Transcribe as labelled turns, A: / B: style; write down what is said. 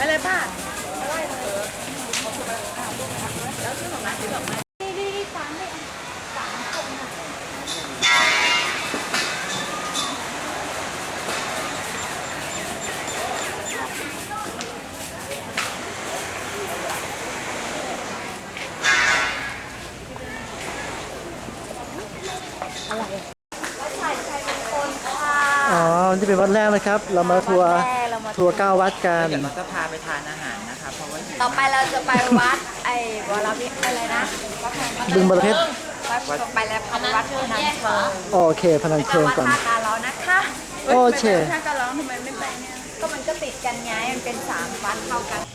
A: เลยป้าไปเลยแล้วชื่อของร้านคือดอกไม้ดีสามเลยสามคนอะไรวัดชัยมงคลค่ะ
B: อ๋อที่เป็นวัดแรกนะครับ เรามาทัวร์9 วัดกัน
C: เดี๋ยวเราจะพาไปทานอาหารนะคะเพราะว่า
A: ต่อไปเราจะไปวัดวรวิอะไรนะ
B: บึงบรเพชร
A: วัดต่อไปแล้วพาไปวัดพนัญเชิง
B: โอเคพนัญเชิงก่อน
A: วัดท่าการร้อนนะคะ
B: โอเค
A: ท่าการร้อนทำไมไม่ไปเนี่ยก็มันก็ติดกันไงมันเป็น3 วัดเข้ากัน